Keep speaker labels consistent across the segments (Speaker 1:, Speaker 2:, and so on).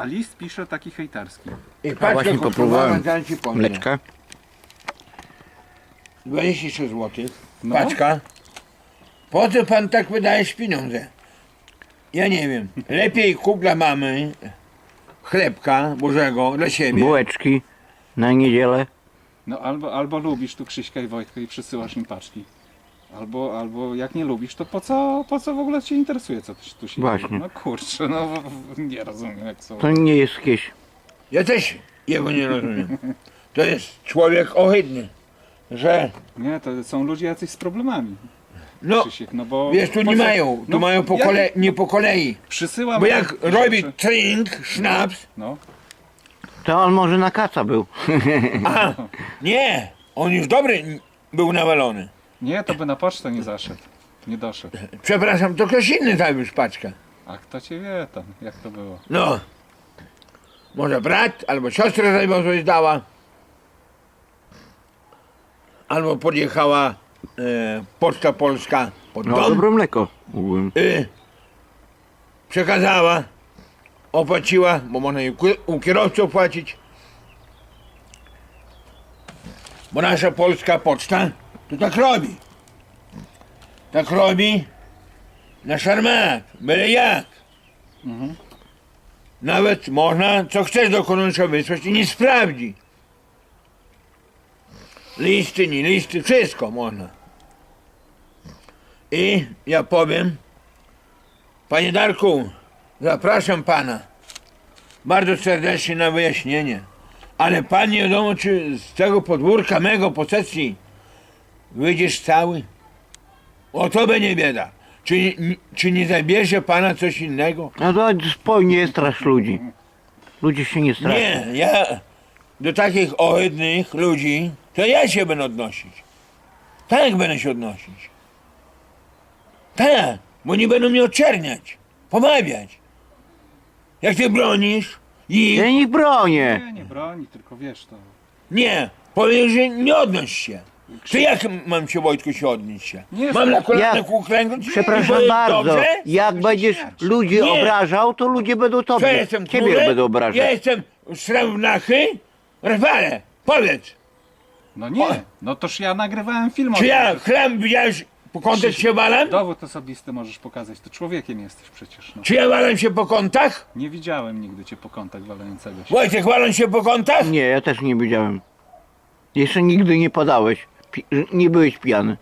Speaker 1: A list pisze taki hejterski.
Speaker 2: I
Speaker 3: A
Speaker 2: paczka
Speaker 3: właśnie
Speaker 2: kosztowała,
Speaker 3: popróbowałem
Speaker 2: zaraz ci powiem.
Speaker 3: mleczka.
Speaker 2: 26 zł.
Speaker 1: No.
Speaker 2: Paczka. Po co pan tak wydajesz pieniądze? Ja nie wiem. Lepiej kup dla mamy chlebka Bożego dla siebie.
Speaker 3: Bułeczki na niedzielę.
Speaker 1: No albo lubisz tu Krzyśka i Wojtka i przysyłasz im paczki. Albo jak nie lubisz, to po co w ogóle cię interesuje, co tu się
Speaker 3: Właśnie.
Speaker 1: dzieje? No kurczę, no nie rozumiem jak są.
Speaker 3: To nie jest jakieś...
Speaker 2: Ja też jego nie rozumiem. To jest człowiek ohydny, że
Speaker 1: Nie, to są ludzie jacyś z problemami.
Speaker 2: no
Speaker 1: Krzysiek, no bo...
Speaker 2: wiesz, tu
Speaker 1: po
Speaker 2: nie
Speaker 1: co-
Speaker 2: mają, tu
Speaker 1: no,
Speaker 2: mają nie po kolei.
Speaker 1: Przysyłam...
Speaker 2: Bo jak
Speaker 1: rzeczy.
Speaker 2: robi drink, sznaps,
Speaker 1: No,
Speaker 3: To on może na kaca był.
Speaker 2: a nie, on już dobry był nawalony.
Speaker 1: nie, to by na pocztę nie zaszedł. Nie doszedł.
Speaker 2: Przepraszam, to ktoś inny zawiózł paczkę.
Speaker 1: A kto cię wie tam, jak to było?
Speaker 2: No, może brat albo siostra zawiozła dała. Albo podjechała Poczta Polska pod
Speaker 3: No
Speaker 2: dom.
Speaker 3: dobre mleko. Mówiłem.
Speaker 2: Przekazała, opłaciła, bo można i u kierowcy opłacić. Bo nasza polska poczta to tak robi. Tak robi na szarmat, byle jak. Nawet można, co chcesz do konusza wysłać i nie sprawdzi. Listy, nie listy, wszystko można. I ja powiem, panie Darku, zapraszam pana bardzo serdecznie na wyjaśnienie. Ale pan nie wiadomo, czy z tego podwórka mego posesji wyjdziesz cały? O to będzie bieda. Czy nie zabierze pana coś innego?
Speaker 3: No to spokojnie strasz ludzi. Ludzie się nie straszą.
Speaker 2: Nie, ja do takich ohydnych ludzi, to ja się będę odnosić. Tak będę się odnosić. Tak, bo nie będą mnie oczerniać, pomawiać. Jak ty bronisz ich,
Speaker 3: Ja ich bronię.
Speaker 1: Nie broni, tylko wiesz to.
Speaker 2: nie, powiesz, że nie odnoś się. To jak mam się, Wojtku, się odnieść się?
Speaker 1: Nie,
Speaker 2: Mam na kolanach
Speaker 3: Ja-
Speaker 2: uklęknąć?
Speaker 3: Przepraszam
Speaker 2: Bo jest
Speaker 3: bardzo.
Speaker 2: dobrze?
Speaker 3: Jak będziesz ludzi
Speaker 2: Nie.
Speaker 3: obrażał, to ludzie będą
Speaker 2: Co
Speaker 3: tobie.
Speaker 2: jestem,
Speaker 3: Ciebie
Speaker 2: królem?
Speaker 3: będą
Speaker 2: Ja
Speaker 3: obrażać.
Speaker 2: jestem srebrnachy? Rafale, powiedz,
Speaker 1: No nie, no toż ja nagrywałem film o
Speaker 2: czy
Speaker 1: tym,
Speaker 2: ja
Speaker 1: że-
Speaker 2: chleb widziałeś, po kątach
Speaker 1: Krzysiek,
Speaker 2: się walam?
Speaker 1: Dowód osobisty możesz pokazać, to człowiekiem jesteś przecież. No.
Speaker 2: Czy ja walam się po kątach?
Speaker 1: Nie widziałem nigdy cię po kątach walającego się.
Speaker 2: Wojtek, walą się po kątach?
Speaker 3: Nie, ja też nie widziałem. Jeszcze nigdy nie podałeś. Nie byłeś pijany.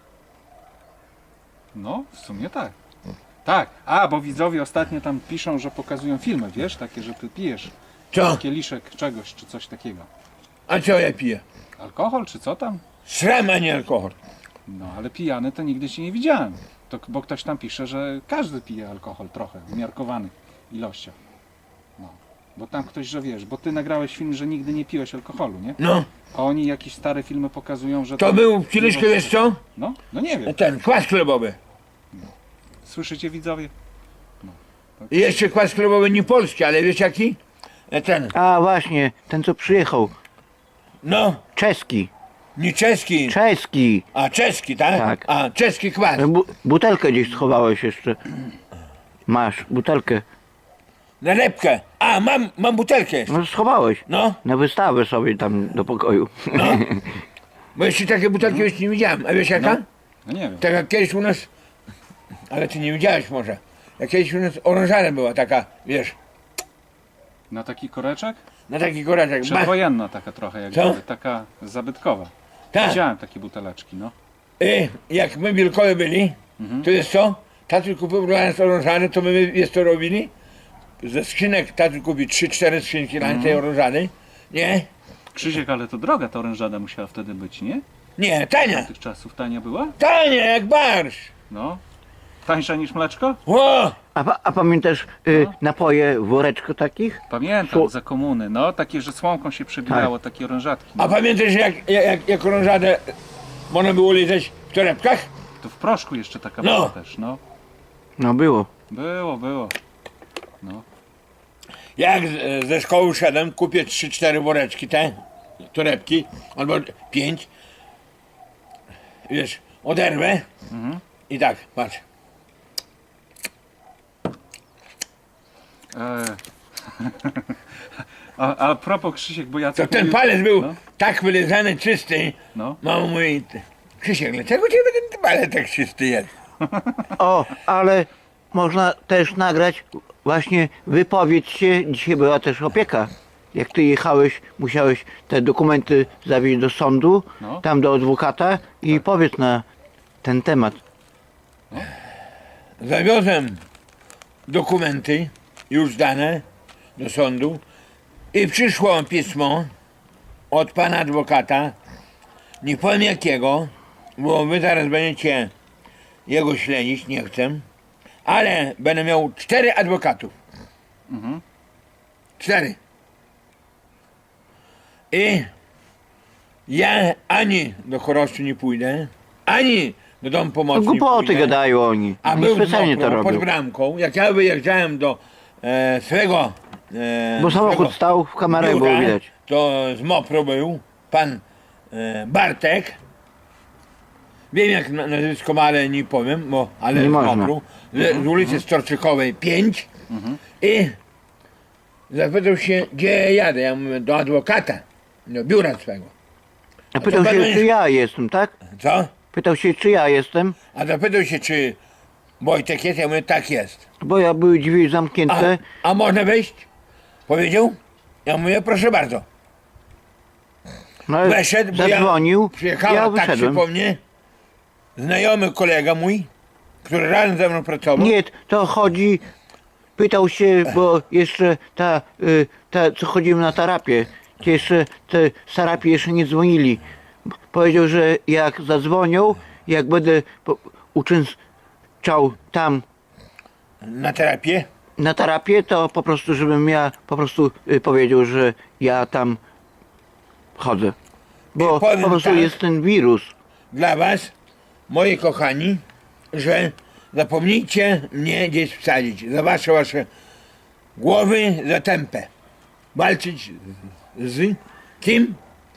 Speaker 1: No, w sumie tak. Tak, bo widzowie ostatnio tam piszą, że pokazują filmy, wiesz, takie, że ty pijesz
Speaker 2: Co?
Speaker 1: kieliszek czegoś, czy coś takiego.
Speaker 2: A co ja piję?
Speaker 1: Alkohol, czy co tam?
Speaker 2: Sram, a nie alkohol.
Speaker 1: No, ale pijany to nigdy cię nie widziałem. Bo ktoś tam pisze, że każdy pije alkohol trochę, w umiarkowanych ilościach. No, bo tam ktoś, że wiesz, bo ty nagrałeś film, że nigdy nie piłeś alkoholu, nie?
Speaker 2: No,
Speaker 1: A oni jakieś stare filmy pokazują, że...
Speaker 2: to
Speaker 1: tam-
Speaker 2: był kieliszkę, wiesz co?
Speaker 1: No nie wiem.
Speaker 2: Ten, kwas chlebowy.
Speaker 1: Słyszycie widzowie?
Speaker 2: I jeszcze kwas chlebowy nie polski, ale wiesz jaki? Ten,
Speaker 3: A właśnie, ten co przyjechał.
Speaker 2: no,
Speaker 3: Czeski.
Speaker 2: nie czeski,
Speaker 3: Czeski.
Speaker 2: a czeski, tak?
Speaker 3: Tak.
Speaker 2: A, czeski kwas.
Speaker 3: Butelkę gdzieś schowałeś jeszcze. Masz butelkę.
Speaker 2: Nalepkę. A, mam butelkę jeszcze.
Speaker 3: No schowałeś.
Speaker 2: No,
Speaker 3: Na wystawę sobie tam do pokoju.
Speaker 2: no. Bo jeszcze takie butelki jeszcze nie widziałem. A wiesz jaka?
Speaker 1: No nie wiem.
Speaker 2: Tak jak kiedyś u nas, ale ty nie widziałeś może. Jak kiedyś u nas orężarem była taka, wiesz,
Speaker 1: Na taki koreczek?
Speaker 2: na taki koraczek.
Speaker 1: Przedwojenna taka trochę, jak
Speaker 2: Co?
Speaker 1: gdyby, taka zabytkowa.
Speaker 2: Tak.
Speaker 1: Widziałem takie buteleczki, no.
Speaker 2: Jak my Wielkowie byli, to jest co? Tatuś kupił dla nas orężady, to my jest to robili. Ze skrzynek tatuś kupił 3-4 skrzynki dla tej orężady. Nie?
Speaker 1: Krzysiek, ale to droga ta orężada musiała wtedy być, nie?
Speaker 2: Nie, tania.
Speaker 1: Tych czasów tania była?
Speaker 2: Tania jak barsz.
Speaker 1: No. Tańsza niż mleczko?
Speaker 2: O!
Speaker 3: A pamiętasz napoje w woreczku takich?
Speaker 1: Pamiętam,
Speaker 3: Sło-
Speaker 1: za komuny, no. Takie, że słomką się przebijało, takie orężatki.
Speaker 2: A
Speaker 1: No.
Speaker 2: pamiętasz jak orężadę można było lizać w torebkach?
Speaker 1: To w proszku jeszcze taka
Speaker 2: No.
Speaker 1: była też, no.
Speaker 3: No było.
Speaker 1: Było. No.
Speaker 2: Jak ze szkoły szedłem, kupię 3-4 woreczki te torebki, albo 5. Wiesz, oderwę i tak, patrz.
Speaker 1: A propos Krzysiek, bo ja
Speaker 2: To ten palec był tak wylizany, czysty.
Speaker 1: No.
Speaker 2: Mama mówi, Krzysiek, dlaczego ciebie ten palec tak czysty jest?
Speaker 3: O, ale można też nagrać właśnie wypowiedź się. Dzisiaj była też opieka. Jak ty jechałeś, musiałeś te dokumenty zawieźć do sądu,
Speaker 1: No.
Speaker 3: tam do adwokata i powiedz na ten temat.
Speaker 2: Zawiozłem dokumenty już zdane do sądu i przyszło pismo od pana adwokata, nie powiem jakiego, bo wy zaraz będziecie jego śledzić, nie chcę, ale będę miał 4 adwokatów. 4. I ja ani do Choroszczy nie pójdę, ani do Domu
Speaker 3: No,
Speaker 2: Pomocy nie
Speaker 3: głupoty
Speaker 2: pójdę.
Speaker 3: gadają oni.
Speaker 2: A
Speaker 3: Oni
Speaker 2: był
Speaker 3: specjalnie to
Speaker 2: pod
Speaker 3: robią.
Speaker 2: bramką, jak ja wyjeżdżałem do swego
Speaker 3: Bo samochód
Speaker 2: swego
Speaker 3: stał, w kamerach
Speaker 2: biura,
Speaker 3: było widać.
Speaker 2: to z Mopru był pan Bartek. Wiem jak nazwisko ma, ale nie powiem, ale
Speaker 3: Nie
Speaker 2: z
Speaker 3: można.
Speaker 2: Mopru, z ulicy Storczykowej 5 i zapytał się, gdzie ja jadę. Ja mówię, do adwokata, do biura swego.
Speaker 3: A pytał
Speaker 2: pan
Speaker 3: się,
Speaker 2: będzie-
Speaker 3: czy ja jestem, tak?
Speaker 2: Co?
Speaker 3: Pytał się, czy ja jestem,
Speaker 2: A zapytał się, czy Wojtek jest, ja mówię, tak jest.
Speaker 3: bo ja były drzwi
Speaker 2: A,
Speaker 3: zamknięte.
Speaker 2: a można wejść? Powiedział? Ja mówię, proszę bardzo.
Speaker 3: No, ale
Speaker 2: Weszedł, bo
Speaker 3: zadzwonił,
Speaker 2: przyjechała
Speaker 3: ja
Speaker 2: taksi
Speaker 3: wyszedłem.
Speaker 2: po mnie, znajomy kolega mój, który razem ze mną pracował.
Speaker 3: Nie, to chodzi, pytał się, bo jeszcze ta co chodzimy na terapię, to jeszcze te terapie jeszcze nie dzwonili. Powiedział, że jak zadzwonią, jak będę uczęszczał tam
Speaker 2: Na terapię.
Speaker 3: na terapię, to po prostu, żebym ja po prostu powiedział, że ja tam chodzę. Bo
Speaker 2: I powiem
Speaker 3: po prostu
Speaker 2: tak.
Speaker 3: jest ten wirus.
Speaker 2: Dla was, moi kochani, że zapomnijcie mnie gdzieś wsadzić. Za wasze głowy za tempę. Walczyć z kim?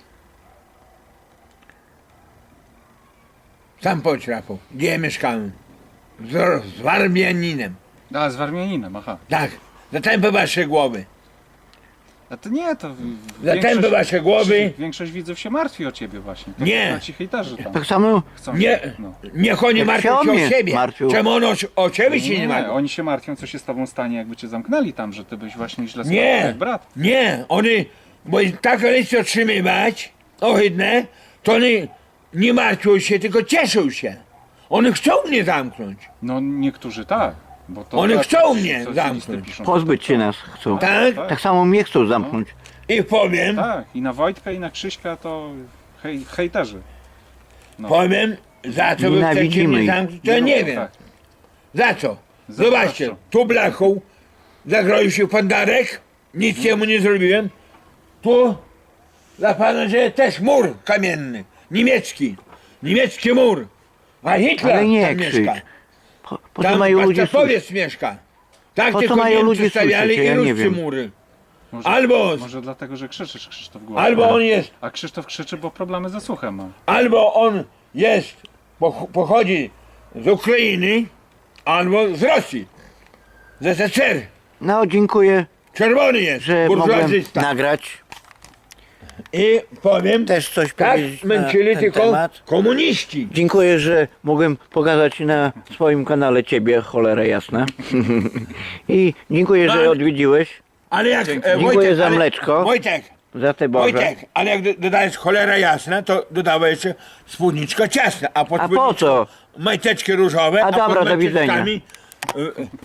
Speaker 2: Sam powiedz, Rafał, gdzie ja mieszkałem? Z Warmianinem.
Speaker 1: A, z Warmianinem, aha.
Speaker 2: Tak, za tempę wasze głowy.
Speaker 1: A to nie, to
Speaker 2: Za tempę wasze głowy.
Speaker 1: Większość widzów się martwi o ciebie właśnie. To
Speaker 2: Nie.
Speaker 1: To ci hejterzy tam
Speaker 3: Tak samo
Speaker 1: chcą.
Speaker 2: Nie,
Speaker 1: No.
Speaker 2: niech oni
Speaker 3: Jak
Speaker 2: martwią
Speaker 3: się o
Speaker 2: się o
Speaker 3: mnie
Speaker 2: siebie.
Speaker 3: martwił.
Speaker 2: Czemu on o ciebie się nie martwi?
Speaker 1: Oni się martwią, co się z tobą stanie, jakby cię zamknęli tam, że ty byś właśnie źle
Speaker 2: Nie,
Speaker 1: jak brat.
Speaker 2: nie, oni, bo taką listy otrzymywać, ohydne, to oni nie martwią się, tylko cieszą się. Oni chcą mnie zamknąć.
Speaker 1: No niektórzy tak. Bo to
Speaker 2: Oni
Speaker 1: tak,
Speaker 2: chcą mnie
Speaker 1: socjalisty
Speaker 2: zamknąć.
Speaker 1: piszą.
Speaker 3: pozbyć się nas chcą.
Speaker 2: Tak?
Speaker 3: Tak samo mnie chcą zamknąć.
Speaker 2: I powiem,
Speaker 1: Tak, i na Wojtka, i na Krzyśka to hejterzy. No.
Speaker 2: powiem, za co wy chcecie
Speaker 3: Nienawidzimy
Speaker 2: mnie
Speaker 3: ich.
Speaker 2: zamknąć, to ja nie
Speaker 1: no,
Speaker 2: wiem.
Speaker 1: Tak.
Speaker 2: Za co?
Speaker 1: Za
Speaker 2: Zobaczcie,
Speaker 1: co?
Speaker 2: tu blachą zagroił się pan Darek, nic jemu nie zrobiłem. Tu dla pana, że też mur kamienny, niemiecki mur. A Hitler
Speaker 3: Ale nie
Speaker 2: tam
Speaker 3: krzycz.
Speaker 2: mieszka.
Speaker 3: Po co
Speaker 2: Tam
Speaker 3: mają ludzie słuchać?
Speaker 2: Pastapowiec mieszka. Tak
Speaker 3: Po co
Speaker 2: tylko
Speaker 3: mają
Speaker 2: Niemcy
Speaker 3: ludzie
Speaker 2: stawiali
Speaker 3: słyszeć?
Speaker 2: i
Speaker 3: Ja nie
Speaker 2: Ruscy
Speaker 3: wiem.
Speaker 2: mury.
Speaker 1: Może,
Speaker 2: Albo-
Speaker 1: może dlatego, że krzyczysz, Krzysztof głośno.
Speaker 2: Albo on jest,
Speaker 1: A Krzysztof krzyczy, bo problemy ze słuchem ma.
Speaker 2: albo on jest, pochodzi z Ukrainy, albo z Rosji. Z SSR.
Speaker 3: No, dziękuję,
Speaker 2: Czerwony jest,
Speaker 3: że mogłem
Speaker 2: burżuazysta.
Speaker 3: nagrać.
Speaker 2: I powiem,
Speaker 3: Też coś
Speaker 2: tak
Speaker 3: powiedzieć na
Speaker 2: męczyli
Speaker 3: ten
Speaker 2: tylko
Speaker 3: temat.
Speaker 2: komuniści.
Speaker 3: Dziękuję, że mogłem pokazać na swoim kanale ciebie, cholera jasna. I dziękuję, że
Speaker 2: No,
Speaker 3: odwiedziłeś.
Speaker 2: Ale jak
Speaker 3: Dziękuję za mleczko.
Speaker 2: Wojtek,
Speaker 3: Za te Boże.
Speaker 2: Wojtek, ale jak dodajesz cholera jasna, to dodawaj jeszcze spódniczka ciasna, a pod
Speaker 3: A po
Speaker 2: spódniczką
Speaker 3: co?
Speaker 2: majteczki różowe,
Speaker 3: A dobra,
Speaker 2: pod
Speaker 3: do widzenia.
Speaker 2: majteczkami